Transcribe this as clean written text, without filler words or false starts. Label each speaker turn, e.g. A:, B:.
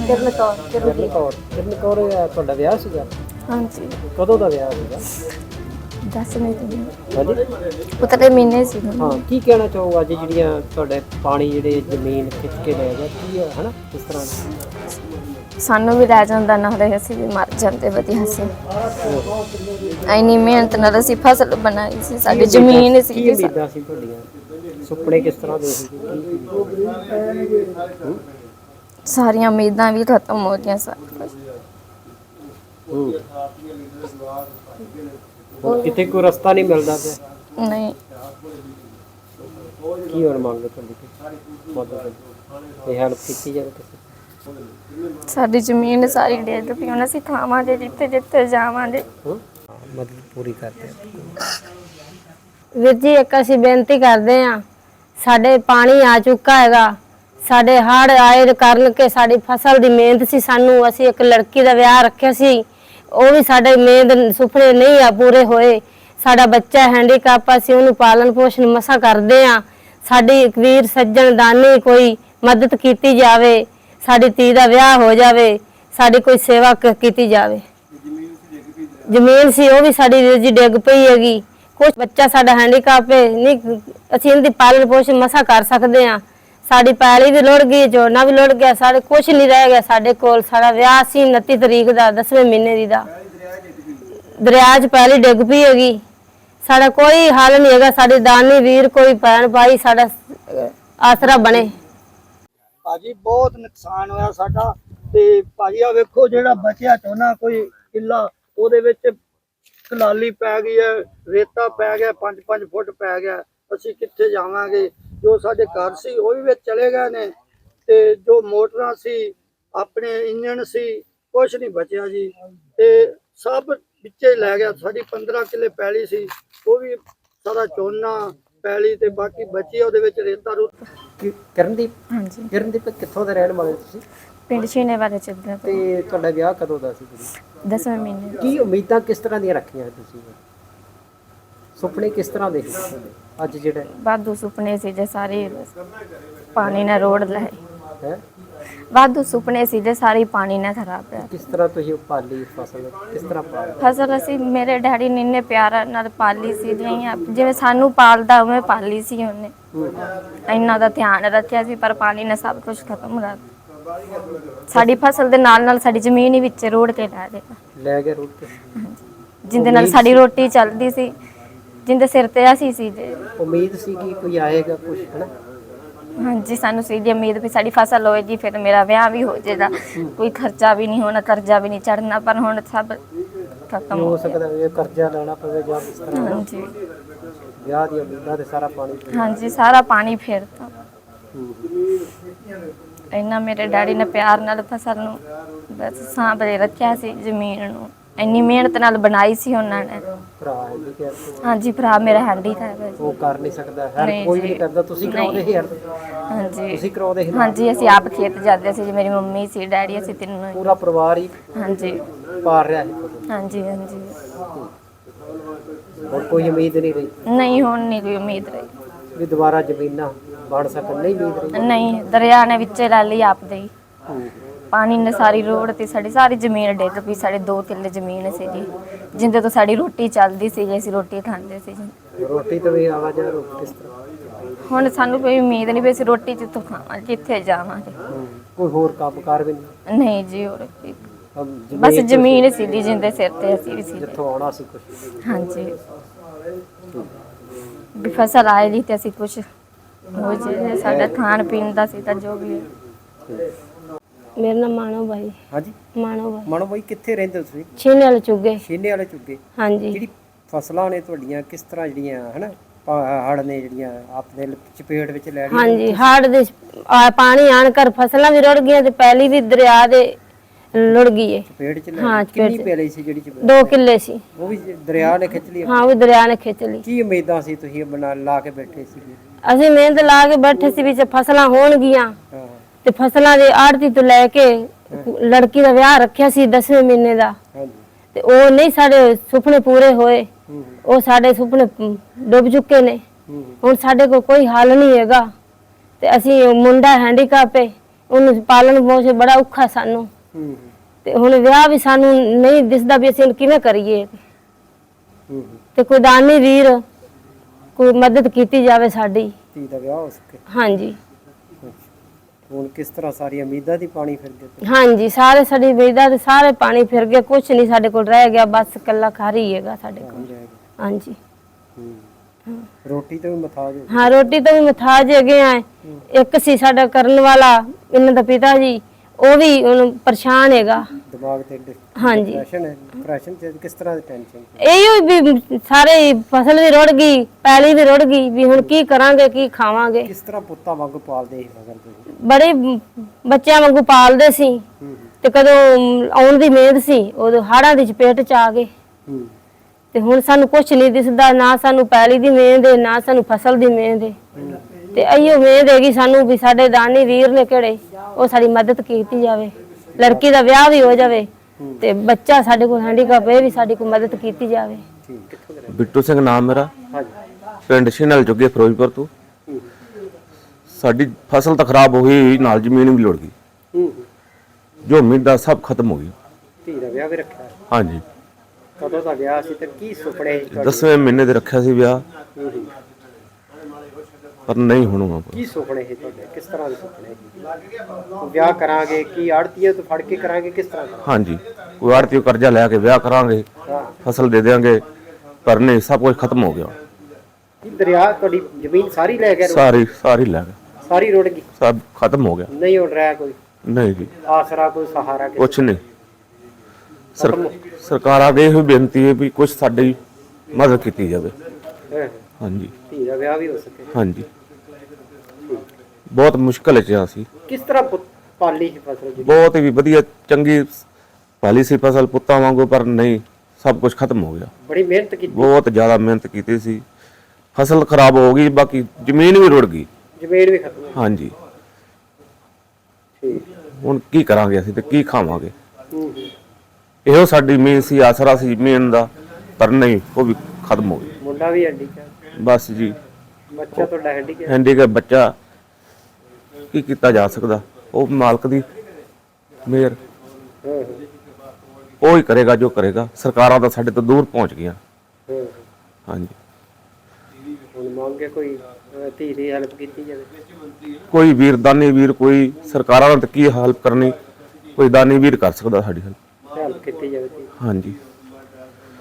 A: ਕਿਰਨ ਕੌਰ
B: ਕਿਰਨ ਕੌਰ ਤੁਹਾਡਾ ਵਿਆਹ ਸੀਗਾ?
A: ਹਾਂਜੀ
B: ਕਦੋਂ ਦਾ ਵਿਆਹ ਸੀਗਾ?
A: 10 ਮਹੀਨੇ
B: ਹਾਂਜੀ
A: ਪੁੱਤਰੇ ਮਹੀਨੇ ਸੀ
B: ਹਾਂ। ਕੀ ਕਹਿਣਾ ਚਾਹੋ ਅੱਜ ਜਿਹੜੀਆਂ ਤੁਹਾਡੇ ਪਾਣੀ ਜਿਹੜੇ ਜ਼ਮੀਨ ਖਿੱਚ ਕੇ ਲੈ ਗਿਆ ਕੀ ਹੈ ਹਨਾ ਕਿਸ ਤਰ੍ਹਾਂ
A: ਸਾਨੂੰ ਵੀ ਲੈ ਜਾਂਦਾ ਨਾਲੇ ਅਸੀਂ ਵੀ ਮਰ ਜਾਂਦੇ ਵਧੀਆ ਸੀ। ਇੰਨੀ ਮਿਹਨਤ ਨਾਲ ਅਸੀਂ ਫਸਲ ਬਣਾਈ ਸੀ, ਸਾਡੀ ਜ਼ਮੀਨ ਸੀ।
B: ਕੀ ਉਮੀਦਾਂ ਸੀ ਤੁਹਾਡੀਆਂ? ਸੁਪਨੇ ਕਿਸ ਤਰ੍ਹਾਂ ਦੇ ਸੀ?
A: ਸਾਰੀਆਂ ਉਮੀਦਾਂ ਵੀ ਖਤਮ ਹੋ ਗਈਆਂ ਸਾਰੀਆਂ।
B: ਕਿਤੇ ਕੋਈ ਰਸਤਾ ਨਹੀਂ ਮਿਲਦਾ ਪਿਆ?
A: ਨਹੀਂ
B: ਕੀ ਹੋਰ ਮੰਗ ਤੁਹਾਡੀ ਮਦਦ ਇਹ ਹੈਲਪ ਕੀਤੀ ਜਾਵੇ ਕਿਸੇ?
A: ਸਾਡੀ ਜ਼ਮੀਨ ਸਾਰੀ ਡੇਢ ਪਈ, ਹੁਣ ਅਸੀਂ ਖਾਵਾਂਗੇ ਜਿੱਥੇ ਜਿੱਥੇ ਜਾਵਾਂਗੇ।
B: ਮਦਦ ਪੂਰੀ ਕਰਦੇ
C: ਵੀਰ ਜੀ ਇੱਕ ਅਸੀਂ ਬੇਨਤੀ ਕਰਦੇ ਹਾਂ, ਸਾਡੇ ਪਾਣੀ ਆ ਚੁੱਕਾ ਹੈਗਾ, ਸਾਡੇ ਹੜ੍ਹ ਆਏ ਕਾਰਨ ਕਿ ਸਾਡੀ ਫਸਲ ਦੀ ਮਿਹਨਤ ਸੀ। ਸਾਨੂੰ ਅਸੀਂ ਇੱਕ ਲੜਕੀ ਦਾ ਵਿਆਹ ਰੱਖਿਆ ਸੀ, ਉਹ ਵੀ ਸਾਡੇ ਮਿਹਨਤ ਸੁਪਨੇ ਨਹੀਂ ਆ ਪੂਰੇ ਹੋਏ। ਸਾਡਾ ਬੱਚਾ ਹੈਂਡੀਕੈਪ, ਅਸੀਂ ਉਹਨੂੰ ਪਾਲਣ ਪੋਸ਼ਣ ਮਸਾ ਕਰਦੇ ਹਾਂ। ਸਾਡੀ ਵੀਰ ਸੱਜਣ ਦਾਨੀ ਕੋਈ ਮਦਦ ਕੀਤੀ ਜਾਵੇ, ਸਾਡੀ ਧੀ ਦਾ ਵਿਆਹ ਹੋ ਜਾਵੇ, ਸਾਡੀ ਕੋਈ ਸੇਵਾ ਕੀਤੀ ਜਾਵੇ। ਜ਼ਮੀਨ ਸੀ ਉਹ ਵੀ ਸਾਡੀ ਵੀਰ ਜੀ ਡਿੱਗ ਪਈ ਹੈਗੀ। ਕੁਛ ਬੱਚਾ ਸਾਡਾ ਹੈਂਡੀਕੈਪ ਹੈ, ਨਹੀਂ ਅਸੀਂ ਇਹਦੀ ਪਾਲਣ ਪੋਸ਼ਣ ਮਸਾ ਕਰ ਸਕਦੇ ਹਾਂ। ਸਾਡੀ ਪੈਲੀ ਵੀ ਲੁੜ ਗਈ, ਝੋਨਾ ਵੀ ਲੁੜ ਗਿਆ, ਸਾਡੇ ਕੁਛ ਨਹੀਂ ਰਹਿ ਗਿਆ ਸਾਡੇ ਕੋਲ। ਸਾਡਾ ਵਿਆਹ ਸੀ 29 ਤਰੀਕ ਦਾ 10ਵੇਂ ਮਹੀਨੇ ਦੀ ਦਾ, ਦਰਿਆ 'ਚ ਪੈਲੀ ਡਿੱਗ ਪਈ ਹੈਗੀ। ਸਾਡਾ ਕੋਈ ਹੱਲ ਨਹੀਂ ਹੈਗਾ, ਸਾਡੇ ਦਾਨੀ ਵੀਰ ਕੋਈ ਭੈਣ ਭਾਈ ਸਾਡਾ ਆਸਰਾ ਬਣੇ।
D: ਭਾਜੀ ਬਹੁਤ ਨੁਕਸਾਨ ਹੋਇਆ ਸਾਡਾ। ਤੇ ਭਾਜੀ ਆ ਵੇਖੋ ਜਿਹੜਾ ਬਚਿਆ ਝੋਨਾ ਕੋਈ ਕਿੱਲਾ, ਉਹਦੇ ਵਿੱਚ ਕਲਾਲੀ ਪੈ ਗਈ ਹੈ, ਰੇਤਾ ਪੈ ਗਿਆ, 5-5 ਫੁੱਟ ਪੈ ਗਿਆ। ਅਸੀਂ ਕਿੱਥੇ ਜਾਵਾਂਗੇ? ਜੋ ਸਾਡੇ ਘਰ ਸੀ ਉਹ ਵੀ ਵਿੱਚ ਚਲੇ ਗਏ ਨੇ, ਤੇ ਜੋ ਮੋਟਰਾਂ ਸੀ, ਆਪਣੇ ਇੰਜਣ ਸੀ, ਕੁਛ ਨਹੀਂ ਬਚਿਆ ਜੀ। ਤੇ ਸਭ ਵਿੱਚੇ ਲੈ ਗਿਆ। ਸਾਡੀ 15 ਕਿੱਲੇ ਪੈਲੀ ਸੀ, ਉਹ ਵੀ ਸਾਰਾ ਝੋਨਾ ਪੈਲੀ ਤੇ ਬਾਕੀ ਬਚੀ ਉਹਦੇ ਵਿੱਚ ਰੇਤਾ ਰੂਤਾ।
B: ਕਿਰਨਦੀਪ?
A: ਹਾਂਜੀ।
B: ਕਿਰਨਦੀਪ ਕਿੱਥੋਂ ਦੇ ਰਹਿਣ ਵਾਲੇ ਤੁਸੀਂ?
A: ਪਿੰਡ ਛੀਨੇ ਵਾਲੇ ਚੱਲਦਾ
B: ਤੇ ਤੁਹਾਡਾ ਵਿਆਹ ਕਦੋਂ ਦਾ ਸੀ?
A: 10ਵੇਂ ਮਹੀਨੇ।
B: ਕੀ ਉਮੀਦਾਂ ਕਿਸ ਤਰ੍ਹਾਂ ਦੀਆਂ ਰੱਖੀਆਂ ਤੁਸੀਂ? ਸੁਪਨੇ ਕਿਸ ਤਰ੍ਹਾਂ ਦੇ ਸੀ ਅੱਜ ਜਿਹੜੇ?
A: ਵਾਧੂ ਸੁਪਨੇ ਸੀ ਜੇ ਸਾਰੇ ਪਾਣੀ ਨਾਲ ਰੋੜ ਲਏ।
B: ਹੈ
A: ਵਾਧੂ ਸੁਪਨੇ ਸੀ ਜੇ ਸਾਰੀ ਪਾਣੀ ਨਾਲ ਖਰਾਬ ਹੈ।
B: ਕਿਸ ਤਰ੍ਹਾਂ ਤੁਸੀਂ ਪਾਲੀ ਫਸਲ? ਕਿਸ ਤਰ੍ਹਾਂ ਪਾਲੀ
A: ਫਸਲ? ਅਸੀਂ ਮੇਰੇ ਡੈਡੀ ਨੇ ਇੰਨੇ ਪਿਆਰ ਨਾਲ ਪਾਲੀ ਸੀ, ਜਿਵੇਂ ਸਾਨੂੰ ਪਾਲਦਾ ਉਵੇਂ ਪਾਲੀ ਸੀ ਉਹਨੇ। ਇੰਨਾ ਦਾ ਧਿਆਨ ਰੱਖਿਆ ਸੀ, ਪਰ ਪਾਣੀ ਨੇ ਸਭ ਕੁਝ ਖਤਮ ਕਰ ਦਿੱਤਾ। ਸਾਡੀ ਫਸਲ ਦੇ ਨਾਲ ਨਾਲ ਸਾਡੀ ਜ਼ਮੀਨ ਹੀ ਵਿੱਚ ਰੋੜ ਕੇ ਲੈ
B: ਗਏ ਰੋੜ ਕੇ।
A: ਜਿੰਦੇ ਨਾਲ ਸਾਡੀ ਰੋਟੀ ਚੱਲਦੀ ਸੀ, ਜਿੰਦੇ ਸਿਰ ਤੇ ਅਸੀਂ ਸੀ ਜੇ।
B: ਉਮੀਦ ਸੀ ਕਿ ਕੋਈ ਆਏਗਾ ਕੁਝ ਹਨਾ?
A: ਹਾਂਜੀ, ਸਾਨੂੰ ਸੀ ਜੀ ਉਮੀਦ ਵੀ ਸਾਡੀ ਫਸਲ ਹੋਏਗੀ, ਫਿਰ ਮੇਰਾ ਵਿਆਹ ਵੀ ਹੋ ਜਾਏਗਾ, ਕੋਈ ਖਰਚਾ ਵੀ ਨਹੀਂ ਹੋਣਾ, ਕਰਜ਼ਾ ਵੀ ਨਹੀਂ ਚੜਨਾ। ਪਰ ਹੁਣ ਸਭ ਖਤਮ
B: ਹੋ ਸਕਦਾ ਹੈ ਕਰਜ਼ਾ ਲੈਣਾ ਪਵੇ ਜਾਂ ਕਿਸ ਤਰ੍ਹਾਂ।
A: ਹਾਂਜੀ
B: ਵਿਆਹ ਦੀ ਉਮੀਦਾਂ ਤੇ ਸਾਰਾ ਪਾਣੀ।
A: ਹਾਂਜੀ, ਸਾਰਾ ਪਾਣੀ ਫੇਰਤਾ। ਇੰਨਾ ਮੇਰੇ ਡੈਡੀ ਨੇ ਪਿਆਰ ਨਾਲ ਫਸਲ ਨੂੰ ਬਸ ਸਾਂਭੇ ਰੱਖਿਆ ਸੀ, ਜ਼ਮੀਨ ਨੂੰ ਇੰਨੀ ਮਿਹਨਤ ਨਾਲ ਬਣਾਈ ਸੀ ਉਹਨਾਂ ਨੇ।
B: ਭਰਾ ਹੈ?
A: ਹਾਂਜੀ, ਭਰਾ ਮੇਰਾ ਹੈਂਡੀਕੈਪ ਹੈ।
B: ਉਹ ਕਰ ਨਹੀਂ ਸਕਦਾ, ਹਰ ਕੋਈ ਵੀ ਨਹੀਂ ਕਰਦਾ। ਤੁਸੀਂ ਕਰਾਉਂਦੇ ਸੀ?
A: ਹਾਂਜੀ
B: ਤੁਸੀਂ ਕਰਾਉਂਦੇ ਸੀ? ਹਾਂਜੀ,
A: ਅਸੀਂ ਆਪ ਖੇਤ ਜਾਂਦੇ ਸੀ ਜੀ, ਮੇਰੀ ਮੰਮੀ ਸੀ, ਡੈਡੀ, ਅਸੀਂ ਤਿੰਨੋਂ ਹੀ।
B: ਪੂਰਾ ਪਰਿਵਾਰ ਹੀ
A: ਹਾਂਜੀ
B: ਪਾਰ ਰਿਹਾ ਹੈ?
A: ਹਾਂਜੀ ਹਾਂਜੀ।
B: ਹੋਰ ਕੋਈ ਉਮੀਦ ਨਹੀਂ ਰਹੀ?
A: ਨਹੀਂ, ਹੁਣ ਨਹੀਂ ਕੋਈ ਉਮੀਦ ਰਹੀ
B: ਵੀ ਦੁਬਾਰਾ ਜ਼ਮੀਨਾਂ ਬਣ ਸਕਣ? ਨਹੀਂ ਉਮੀਦ ਰਹੀ?
A: ਨਹੀਂ, ਦਰਿਆ ਨੇ ਵਿੱਚੇ ਲੈ ਲਈ ਆਪਦੇ ਹੀ। ਪਾਣੀ ਨੇ ਸਾਰੀ ਰੋੜ ਤੇ ਸਾਡੀ ਸਾਰੀ ਜ਼ਮੀਨ ਡਿੱਗ ਪਈ। ਸਾਡੇ 2 ਕਿੱਲੇ ਜ਼ਮੀਨ ਸੀ ਜੀ, ਜਿੰਦੇ ਤੋਂ ਸਾਡੀ ਰੋਟੀ ਚੱਲਦੀ ਸੀ ਜੀ, ਅਸੀਂ ਰੋਟੀ ਖਾਂਦੇ ਸੀ ਜੀ।
B: ਰੋਟੀ ਤੋਂ ਵੀ ਆਵਾਜ਼ ਆ ਕਿਸ ਤਰ੍ਹਾਂ?
A: ਹੁਣ ਸਾਨੂੰ ਕੋਈ ਉਮੀਦ ਨਹੀਂ ਵੀ ਅਸੀਂ ਰੋਟੀ ਜਿੱਥੋਂ ਖਾਵਾਂਗੇ, ਕਿੱਥੇ ਜਾਵਾਂਗੇ।
B: ਕੋਈ ਹੋਰ ਕੰਮਕਾਰ ਵੀ ਨਹੀਂ?
A: ਨਹੀਂ ਜੀ, ਹੋਰ ਬਸ ਜ਼ਮੀਨ ਸੀ ਜੀ, ਜਿੰਦੇ ਸਿਰ ਤੇ ਅਸੀਂ ਵੀ ਸੀ,
B: ਜਿੱਥੋਂ ਆਉਣਾ ਸੀ ਕੁਝ।
A: ਹਾਂਜੀ, ਵੀ ਫਸਲ ਆਏਗੀ ਤੇ ਅਸੀਂ ਕੁਝ ਹੋ ਜੇ, ਸਾਡਾ ਖਾਣ ਪੀਣ ਦਾ ਸੀ ਤਾਂ ਜੋ ਵੀ ਹੈ।
C: ਮੇਰਾ ਨਾਮ ਮਾਨੋ ਬਾਈ।
B: ਹਾਂਜੀ,
C: ਮਾਨੋ
B: ਮਾਨੋ ਬਾਈ ਕਿੱਥੇ ਰਹਿੰਦੇ ਹੋ ਤੁਸੀਂ?
C: ਛੀਨੇ ਵਾਲੇ ਚੁੱਗੇ।
B: ਛੀਨੇ ਵਾਲੇ ਚੁੱਗੇ।
C: ਹਾਂਜੀ।
B: ਜਿਹੜੀ ਫਸਲਾਂ ਨੇ ਤੁਹਾਡੀਆਂ ਕਿਸ ਤਰ੍ਹਾਂ ਜਿਹੜੀਆਂ ਹਨਾ ਹੜ੍ਹ ਨੇ ਜਿਹੜੀਆਂ ਆਪਣੇ ਚਪੇਟ ਵਿੱਚ ਲੈ ਲਈਆਂ?
C: ਹਾਂਜੀ, ਹੜ੍ਹ ਦੇ ਪਾਣੀ ਆਣ ਕਰ ਫਸਲਾਂ ਵੀ ਰੁੜ ਗਈਆਂ ਤੇ ਪੈਲੀ ਵੀ ਦਰਿਆ ਦੇ ਲੁੜ ਗਈ ਹੈ।
B: ਚਪੇਟ ਚ
C: ਹਾਂ,
B: ਕਿੰਨੀ ਪੈਲੀ ਸੀ ਜਿਹੜੀ
C: 2 ਕਿੱਲੇ ਸੀ।
B: ਉਹ ਵੀ ਦਰਿਆ ਨੇ ਖਿੱਚ ਲਈ?
C: ਹਾਂ, ਉਹ ਦਰਿਆ ਨੇ ਖਿੱਚ ਲਈ।
B: ਕੀ ਉਮੀਦਾਂ ਸੀ ਤੁਸੀਂ ਬਣਾ ਲਾ ਕੇ ਬੈਠੇ ਸੀ?
C: ਅਸੀਂ ਮਿਹਨਤ ਲਾ ਕੇ ਬੈਠੇ ਸੀ ਵੀ ਫਸਲਾਂ ਹੋਣਗੀਆਂ,
B: ਹਾਂ।
C: ਤੇ ਫਸਲਾਂ ਦੇ ਆੜਤੀ ਤੋਂ ਲੈ ਕੇ ਲੜਕੀ ਦਾ ਵਿਆਹ ਰੱਖਿਆ ਸੀ 10ਵੇਂ ਮਹੀਨੇ ਦਾ,
B: ਹਾਂਜੀ।
C: ਤੇ ਉਹ ਨਹੀਂ ਸਾਡੇ ਸੁਪਨੇ ਪੂਰੇ ਹੋਏ। ਉਹ ਸਾਡੇ ਸੁਪਨੇ ਡੁੱਬ ਚੁੱਕੇ ਨੇ। ਹੁਣ ਸਾਡੇ ਕੋਲ ਕੋਈ ਹੱਲ ਨਹੀਂ ਹੈਗਾ, ਤੇ ਅਸੀਂ ਮੁੰਡਾ ਹੈਂਡੀਕੈਪ ਹੈ, ਉਹਨੂੰ ਪਾਲਣ ਪੋਸ਼ਣ ਬੜਾ ਔਖਾ ਸਾਨੂੰ।
B: ਹੂੰ
C: ਤੇ ਹੁਣ ਵਿਆਹ ਵੀ ਸਾਨੂੰ ਨਹੀਂ ਦਿਸਦਾ ਵੀ ਅਸੀਂ ਹੁਣ ਕਿਵੇਂ ਕਰੀਏ।
B: ਹੂੰ
C: ਤੇ ਕੋਈ ਦਾਨੀ ਵੀਰ ਕੋਈ ਮਦਦ ਕੀਤੀ ਜਾਵੇ ਸਾਡੀ।
B: ਧੀ ਦਾ ਵਿਆਹ ਹੋ ਸਕੇ।
C: ਹਾਂਜੀ
B: ਹੁਣ ਕਿਸ ਤਰ੍ਹਾਂ ਸਾਰੀਆਂ ਉਮੀਦਾਂ ਦੀ ਪਾਣੀ ਫਿਰ ਗਏ?
C: ਹਾਂਜੀ ਸਾਰੇ ਸਾਡੀ ਉਮੀਦਾਂ ਤੇ ਸਾਰੇ ਪਾਣੀ ਫਿਰ ਗਏ, ਕੁਛ ਨਹੀਂ ਸਾਡੇ ਕੋਲ ਰਹਿ ਗਿਆ, ਬਸ ਕੱਲਾ ਘਰ ਹੀ ਹੈਗਾ ਸਾਡੇ ਕੋਲ। ਹਾਂਜੀ
B: ਰੋਟੀ ਤੋਂ ਵੀ ਮਥਾਜ ਹੋ
C: ਹਾਂ ਰੋਟੀ ਤੋਂ ਵੀ ਮਥਾਜ ਹੈਗੇ ਆ। ਇੱਕ ਸੀ ਸਾਡਾ ਕਰਨ ਵਾਲਾ ਇਹਨਾਂ ਦਾ ਪਿਤਾ ਜੀ, ਉਹ ਵੀ ਹੁਣ ਪਰੇਸ਼ਾਨ ਹੈਗਾ।
B: ਦਿਮਾਗ ਤੇ
C: ਹਾਂਜੀ
B: ਡਿਪਰੈਸ਼ਨ ਹੈ। ਡਿਪਰੈਸ਼ਨ ਚ ਕਿਸ ਤਰ੍ਹਾਂ ਦੀ ਟੈਨਸ਼ਨ?
C: ਇਹੋ ਵੀ ਸਾਰੇ ਫਸਲ ਵੀ ਰੁੜ ਗਈ, ਪੈਲੀ ਵੀ ਰੁੜ ਗਈ, ਵੀ ਹੁਣ ਕੀ ਕਰਾਂਗੇ ਕੀ ਖਾਵਾਂਗੇ।
B: ਕਿਸ ਤਰ੍ਹਾਂ ਪੁੱਤਾਂ ਵਾਂਗੂ ਪਾਲਦੇ ਸੀ ਫਸਲ ਤੁਸੀਂ?
C: ਬੜੇ ਬੱਚਿਆਂ ਵਾਂਗੂ ਪਾਲਦੇ ਸੀ। ਤੇ ਕਦੋਂ ਆਉਣ ਦੀ ਮਿਹਨਤ ਸੀ ਉਦੋਂ ਹਾੜਾਂ ਦੀ ਚਪੇਟ ਚ ਆ ਗਏ।
B: ਹੂੰ
C: ਤੇ ਹੁਣ ਸਾਨੂੰ ਕੁਛ ਨਹੀਂ ਦਿਸਦਾ, ਨਾ ਸਾਨੂੰ ਪੈਲੀ ਦੀ ਮਿਹਨਤ ਹੈ ਨਾ ਸਾਨੂੰ ਫਸਲ ਦੀ ਮਿਹਨਤ ਹੈ। ਤੇ ਇਹੋ ਮਿਹਨਤ ਹੈਗੀ ਸਾਨੂੰ ਵੀ ਸਾਡੇ ਦਾਨੀ ਵੀਰ ਨੇ ਕਿਹੜੇ ਉਹ ਸਾਡੀ ਮਦਦ ਕੀਤੀ ਜਾਵੇ, ਲੜਕੀ ਦਾ ਵਿਆਹ ਵੀ ਹੋ ਜਾਵੇ ਤੇ ਬੱਚਾ ਸਾਡੇ ਕੋਲ ਹੈਂਡੀਕੈਪ ਇਹ ਵੀ ਸਾਡੀ ਕੋਈ ਮਦਦ ਕੀਤੀ ਜਾਵੇ।
B: ਠੀਕ ਕਿੱਥੋਂ ਦੇ?
E: ਬਿੱਟੂ ਸਿੰਘ ਨਾਮ ਮੇਰਾ, ਪਿੰਡ ਸ਼ਿਨਲ ਜੁਗੇ ਫਿਰੋਜ਼ਪੁਰ ਤੋਂ। ਸਾਡੀ ਫਸਲ ਤਾਂ ਖਰਾਬ ਹੋ ਗਈ, ਨਾਲ ਜ਼ਮੀਨ ਵੀ ਲੁੜ ਗਈ, ਜੋ ਉਮੀਦਾਂ ਸਭ ਖਤਮ ਹੋ ਗਈ।
B: ਧੀ ਦਾ ਵਿਆਹ ਵੀ ਰੱਖਿਆ?
E: ਹਾਂਜੀ
B: ਕਦੋਂ ਦਾ ਵਿਆਹ ਸੀ ਤੇ ਕੀ ਸੁਪਨੇ ਸੀ ਤੁਹਾਡੇ?
E: 10ਵੇਂ ਮਹੀਨੇ ਦੇ ਰੱਖਿਆ ਸੀ ਵਿਆਹ, ਪਰ ਨਹੀਂ ਹੋਣਾ।
B: ਕੀ ਸੁਪਨੇ ਸੀ ਤੁਹਾਡੇ? ਕਿਸ ਤਰ੍ਹਾਂ ਦੇ ਸੁਪਨੇ ਸੀ? ਵਿਆਹ ਕਰਾਂਗੇ ਕੀ ਆੜਤੀਏ ਤੋਂ ਫੜ ਕੇ ਕਰਾਂਗੇ, ਕਿਸ ਤਰ੍ਹਾਂ ਕਰਾਂਗੇ?
E: ਹਾਂਜੀ ਕੋਈ ਆੜਤੀ ਕਰਜ਼ਾ ਲੈ ਕੇ ਵਿਆਹ ਕਰਾਂਗੇ, ਫਸਲ ਦੇ ਦੇਵਾਂਗੇ, ਪਰ ਨਹੀਂ, ਸਭ ਕੁਝ ਖਤਮ ਹੋ ਗਿਆ।
B: ਕੀ ਦਰਿਆ ਤੁਹਾਡੀ ਜ਼ਮੀਨ ਸਾਰੀ ਲੈ ਗਿਆ?
E: ਸਾਰੀ ਲੈ ਗਏ,
B: ਸਾਰੀ ਰੁੜ ਗਈ,
E: ਸਭ ਖਤਮ ਹੋ ਗਿਆ।
B: ਨਹੀਂ ਉੱਡ ਰਿਹਾ ਕੋਈ
E: ਨਹੀਂ ਜੀ
B: ਆਸਰਾ, ਕੋਈ ਸਹਾਰਾ?
E: ਕੁਛ ਨਹੀਂ। ਸਰਕਾਰ ਅੱਗੇ ਇਹੋ ਬੇਨਤੀ ਹੈ ਵੀ ਕੁਝ ਸਾਡੀ ਮਦਦ ਕੀਤੀ ਜਾਵੇ। ਹਾਂਜੀ
B: ਧੀ ਦਾ ਵਿਆਹ ਵੀ ਹੋ ਸਕੇ।
E: ਹਾਂਜੀ ਬਹੁਤ ਮੁਸ਼ਕਲ ਚ ਆ ਸੀ।
B: ਕਿਸ ਤਰ੍ਹਾਂ ਪਾਲੀ ਸੀ ਫਸਲ ਜੀ?
E: ਬਹੁਤ ਹੀ ਵਧੀਆ ਚੰਗੀ ਪਾਲੀ ਸੀ ਫਸਲ ਪੁੱਤਾਂ ਵਾਂਗੂ, ਪਰ ਨਹੀਂ, ਸਭ ਕੁਝ ਖਤਮ ਹੋ ਗਿਆ।
B: ਬੜੀ ਮਿਹਨਤ ਕੀਤੀ?
E: ਬਹੁਤ ਜ਼ਿਆਦਾ ਮਿਹਨਤ ਕੀਤੀ ਸੀ, ਫਸਲ ਖਰਾਬ ਹੋ ਗਈ, ਬਾਕੀ ਜ਼ਮੀਨ ਵੀ ਰੁੜ ਗਈ।
B: ਜ਼ਮੀਨ ਵੀ ਖਤਮ?
E: ਹਾਂਜੀ
B: ਠੀਕ।
E: ਹੁਣ ਕੀ ਕਰਾਂਗੇ ਅਸੀਂ ਤੇ ਕੀ ਖਾਵਾਂਗੇ? ਇਹੋ ਸਾਡੀ ਮੇਨ ਸੀ, ਆਸਰਾ ਸੀ ਜ਼ਮੀਨ ਦਾ, ਪਰ ਨਹੀਂ, ਉਹ ਵੀ ਖਤਮ ਹੋ ਗਈ।
B: ਮੁੰਡਾ ਵੀ ਹੈਂਡੀਕੈਪ?
E: ਬਸ ਜੀ
B: ਬੱਚਾ ਤੁਹਾਡਾ ਹੈਂਡੀਕੈਪ?
E: ਹੈਂਡੀਕੈਪ ਬੱਚਾ, ਕੀ ਕੀਤਾ ਜਾ ਸਕਦਾ? ਉਹ ਮਾਲਕ ਦੀ ਮਿਹਰ, ਉਹ ਹੀ ਕਰੇਗਾ ਜੋ ਕਰੇਗਾ। ਸਰਕਾਰਾਂ ਤਾਂ ਸਾਡੇ ਤੋਂ ਦੂਰ ਪਹੁੰਚ ਗਈਆਂ। ਹਾਂਜੀ
B: ਹੁਣ ਮੰਗੇ ਕੋਈ ਧੀ ਦੀ ਹੈਲਪ ਕੀਤੀ ਜਾਵੇ?
E: ਕੋਈ ਵੀਰ, ਦਾਨੀ ਵੀਰ, ਕੋਈ ਸਰਕਾਰਾਂ ਨੇ ਤਾਂ ਕੀ ਹੈਲਪ ਕਰਨੀ, ਕੋਈ ਦਾਨੀ ਵੀਰ ਕਰ ਸਕਦਾ ਸਾਡੀ ਹੈਲਪ।
B: ਹੈਲਪ ਕੀਤੀ ਜਾਵੇ ਧੀ।
E: ਹਾਂਜੀ